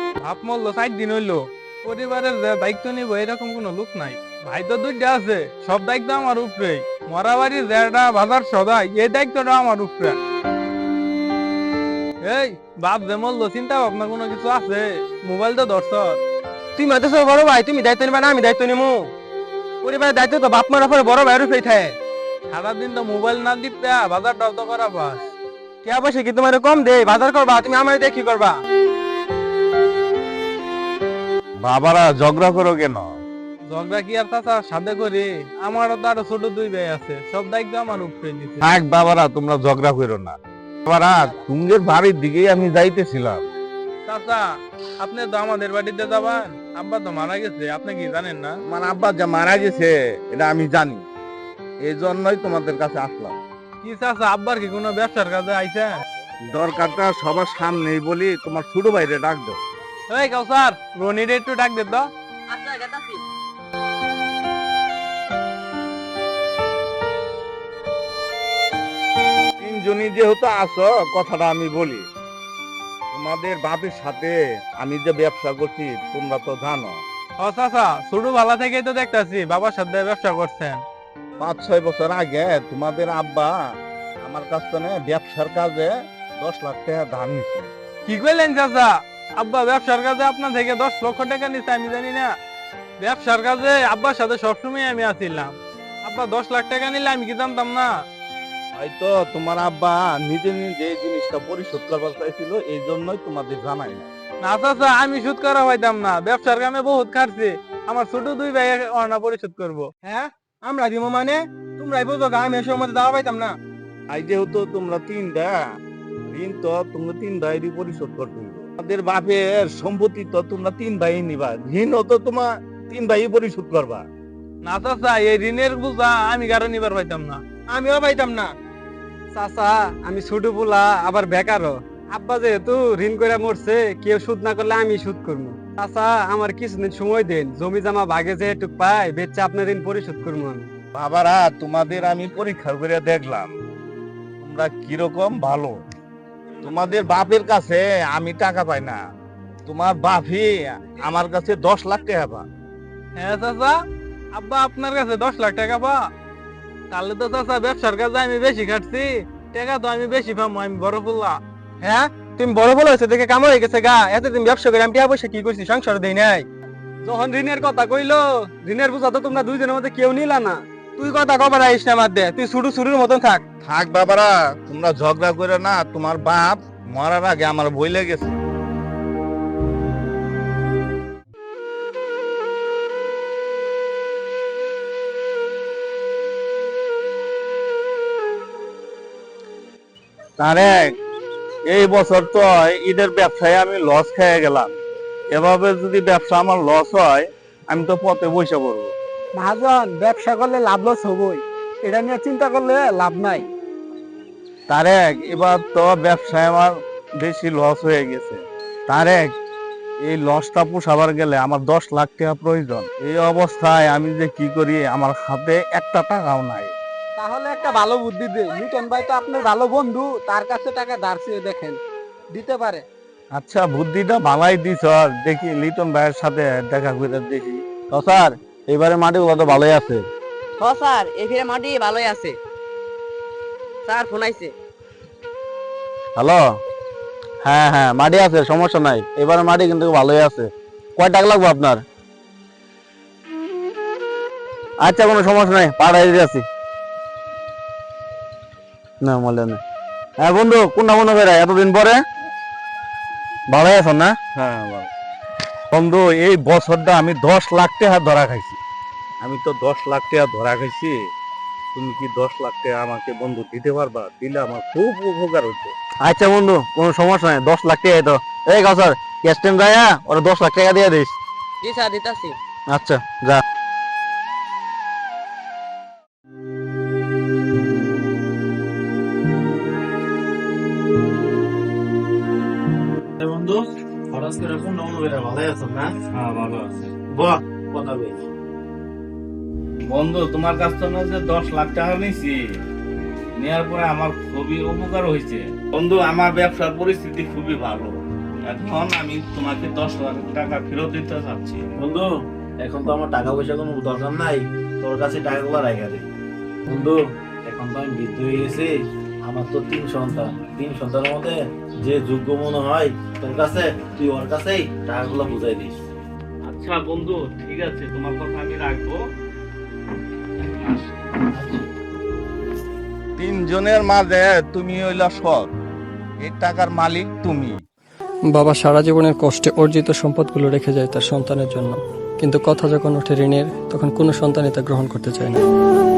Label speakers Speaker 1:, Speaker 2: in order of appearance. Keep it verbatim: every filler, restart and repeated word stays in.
Speaker 1: বাপ মরলো ষাট দিন হইলো, পরিবারের যে দায়িত্ব নিব এরকম কোনো লোক নাই। ভাই তো দুইটা আছে, সব দায়িত্ব আমার উপরে। মরা বাড়ির যেটা বাজার সদাই, এই দায়িত্বটা আমার উপরে। এই বাপ যে মরলো, চিন্তা ভাবনা কোনো কিছু আছে? মোবাইল তো ধরছ।
Speaker 2: তুই মাতেছ বড় ভাই, তুমি দায়িত্ব নিবা না আমি দায়িত্ব নিমু? পরিবারের দায়িত্ব তো বাপ মার উপরে বড় ভাইয়ের উপরেই থাকে।
Speaker 1: সারাদিন তো মোবাইল না দিতে বাজারটাও তো করা পাস।
Speaker 2: কে পয়সা কি তোমার কম দে? বাজার করবা তুমি, আমার দিয়ে কি করবা?
Speaker 3: বাবারা ঝগড়া করো কেন?
Speaker 1: ঝগড়া কি আর চাচা সাথে করি? আমারও তো আরো ছোট দুই ভাই আছে, সব দায়িত্ব আমার উপরে দিছে।
Speaker 3: থাক বাবারা, তোমরা ঝগড়া করো না। বাবারা, তুঙ্গের বাড়ির দিকেই আমি যাইতেছিলাম।
Speaker 1: চাচা, আপনি তো আমাদের বাড়িতে যাবেন? আব্বা তো মারা গেছে, আপনি কি জানেন না?
Speaker 3: আমার আব্বা যা মারা গেছে এটা আমি জানি, এই জন্যই তোমাদের কাছে আসলাম।
Speaker 1: কি চাচা, আব্বার কি কোনো ব্যবসার কাজে আইছে?
Speaker 3: দরকারটা সবার সামনেই বলি, তোমার ছোট ভাইরে ডাক দাও।
Speaker 1: এই কাউসার, রনিরে একটু ডাক দে তো।
Speaker 2: আচ্ছা গেতাছি।
Speaker 3: তিনজনই যেহেতু আছো, কথাটা আমি বলি। তোমাদের বাপের সাথে আমি যে ব্যবসা করছি তোমরা তো জানো।
Speaker 1: ও চাচা, ছোট ভালা থেকেই তো দেখতাছি বাবার সাথে ব্যবসা করছেন।
Speaker 3: পাঁচ ছয় বছর আগে তোমাদের আব্বা আমার কাছ থেকে ব্যবসার কাজে দশ লাখ টাকা ধার নিছে।
Speaker 1: কি কইলেন চাচা? আব্বা ব্যবসার কাজে আপনার থেকে দশ লক্ষ টাকা নিচ্ছে? আমি জানি না। ব্যবসার কাজে আব্বার সাথে সবসময় আমি আছিলাম। আব্বা দশ লাখ টাকা নিলে আমি কি জানতাম না?
Speaker 3: হয়তো তোমার আব্বা নিজে নিজে এই জিনিসটা পরিশোধ করবার চাইছিল, এই জন্যই তোমাদের জানাই না।
Speaker 1: না চাচা, আমি সুদ করা পাইতাম না। ব্যবসার কামে বহুত খাটছি, আমার ছোট দুই ভাই অর্ণা পরিশোধ করবো।
Speaker 2: হ্যাঁ আমরা দিব মানে? তোমরাই বুঝো গা, আমি এসব মধ্যে দাওয়া পাইতাম না।
Speaker 3: আই যেহেতু তোমরা তিনটা ঋণ, তো তোমরা তিন ভাইয়েরই পরিশোধ করতে হবে। তোমাদের বাপের সম্পত্তি তো তোমরা তিন ভাই নিবা, ঋণও তো তোমার তিন ভাই পরিশোধ করবা।
Speaker 1: না চাচা, এই ঋণের বোঝা আমি কারো নিবার পাইতাম না।
Speaker 2: আমিও পাইতাম না। চাচা, আমি ছোট পোলা, আবার বেকারও। আব্বা যেহেতু ঋণ করে মরছে, কেউ সুদ না করলে আমি সুদ করবো। চাচা, আমার কিছুদিন সময় দেন, জমি জমা ভাগে যেটুক পাই বেচে আপনার ঋণ পরিশোধ করবো আমি।
Speaker 3: বাবারা, তোমাদের আমি পরীক্ষা করে দেখলাম তোমরা কিরকম ভালো। তোমাদের বাপের কাছে আমি টাকা পাই না, তোমার বাপই আমার কাছে দশ লাখ টাকা পা।
Speaker 1: হ্যাঁ চাচা, আব্বা আপনার কাছে দশ লাখ টাকা পা? তাহলে তো চাচা ব্যবসার কাজে আমি বেশি খাটছি, টাকা তো আমি বেশি পাবো, আমি বড় ফুল্লা।
Speaker 2: হ্যাঁ, তুমি বড় বড় হয়েছে দেখে কাম হয়ে গেছে গা। এতদিন ব্যবসা করে আমি টাকা পয়সা কি করছি? সংসার দেই নাই। যখন ঋণের কথা কইলো, ঋণের বোঝা তো তোমরা দুইজনের মধ্যে কেউ নিলা না। তুই কথা কবার আইস না মার দে, তুই শুরু শুরুর মতন থাক।
Speaker 3: থাক বাবারা, তোমরা ঝগড়া করে না। তোমার বাপ মরার আগে আমার বই লেগেছে। তারেক, এই বছর তো ঈদের ব্যবসায় আমি লস খেয়ে গেলাম। এভাবে যদি ব্যবসা আমার লস হয়, আমি তো পথে বসে পড়বো।
Speaker 2: মহাজন, ব্যবসা করলে লাভ লস হবই, এটা নিয়ে চিন্তা করলে লাভ নাই।
Speaker 3: তারেক, এবার তো ব্যবসায় আমার বেশি লস হয়ে গেছে। তারেক, এই লসটা পোষাবার গেলে আমার দশ লাখ টাকা প্রয়োজন। এই অবস্থায় আমি যে কি করি, আমার হাতে একটা টাকাও নাই।
Speaker 2: তাহলে একটা ভালো বুদ্ধি দে, লিটন ভাই তো আপনার ভালো বন্ধু, তার কাছে টাকা ধার চেয়ে দেখেন, দিতে পারে।
Speaker 3: আচ্ছা, বুদ্ধিটা ভালাই দিছ। দেখি লিটন ভাইয়ের সাথে দেখা করে দেখি। তো স্যার, এবারে মাটিগুলো তো ভালোই আছে।
Speaker 4: হ স্যার, এই ফিরে মাটি ভালোই আছে। স্যার ফোন আইছে।
Speaker 3: হ্যালো, হ্যাঁ হ্যাঁ, মাটি আছে, সমস্যা নাই। এবারে মাটি কিন্তু ভালোই আছে। কয় টাকা লাগবে আপনার? আচ্ছা, কোনো সমস্যা নাই, পাঠাই দিতে আছি। না মলে না। হ্যাঁ বন্ধু, কোনটা মনে করে এতদিন পরে? ভালোই আছো না? হ্যাঁ ভালো। বন্ধু, এই বছরটা আমি দশ লাখ টাকা ধরা খাইছি। আমি তো দশ লাখ টাকা ধরা খাইছি। তুমি কি দশ লাখ টাকা আমাকে বন্ধু দিতে পারবা? দিলে আমার খুব উপকার হতো। আচ্ছা বন্ধু, কোনো সমস্যা নাই, দশ লাখ টাকা তো। এই কাউসার, ক্যাশ টাইম যায়, ওরা দশ লাখ টাকা দিয়ে দিস।
Speaker 4: জি স্যার, দিতাছি।
Speaker 3: আচ্ছা, যা।
Speaker 5: বন্ধু, খরচ করে কোন অনুবেরা ভালো আছো না? হ্যাঁ, ভালো আছে। বাহ, কথা বেশ। বন্ধু, তোমার কাছ থেকে যে দশ লাখ টাকা নিয়েছি, নেওয়ার পরে আমার খুবই উপকার হয়েছে। বন্ধু, আমার ব্যবসার পরিস্থিতি খুবই ভালো। এখন আমি তোমাকে দশ লাখ টাকা ফেরত দিতে চাচ্ছি।
Speaker 6: বন্ধু এখন তো আমার টাকা পয়সা কোনো দরকার নাই, তোর কাছে টাকাগুলো রাখা দে। বন্ধু এখন তো আমি বৃদ্ধ হয়ে গেছি, আমার তো তিন সন্তান, তিন সন্তানের মধ্যে যে যোগ্য মনে হয় তোর কাছে, তুই ওর কাছেই টাকাগুলো বুঝাই দিস।
Speaker 5: আচ্ছা বন্ধু, ঠিক আছে, তোমার কথা আমি রাখবো।
Speaker 3: তিনজনের মাঝে তুমি হইলা সৎ, এই টাকার মালিক তুমি।
Speaker 7: বাবা সারা জীবনের কষ্টে অর্জিত সম্পদগুলো রেখে যায় তার সন্তানের জন্য, কিন্তু কথা যখন ওঠে ঋণের, তখন কোনো সন্তানই তা গ্রহণ করতে চায় না।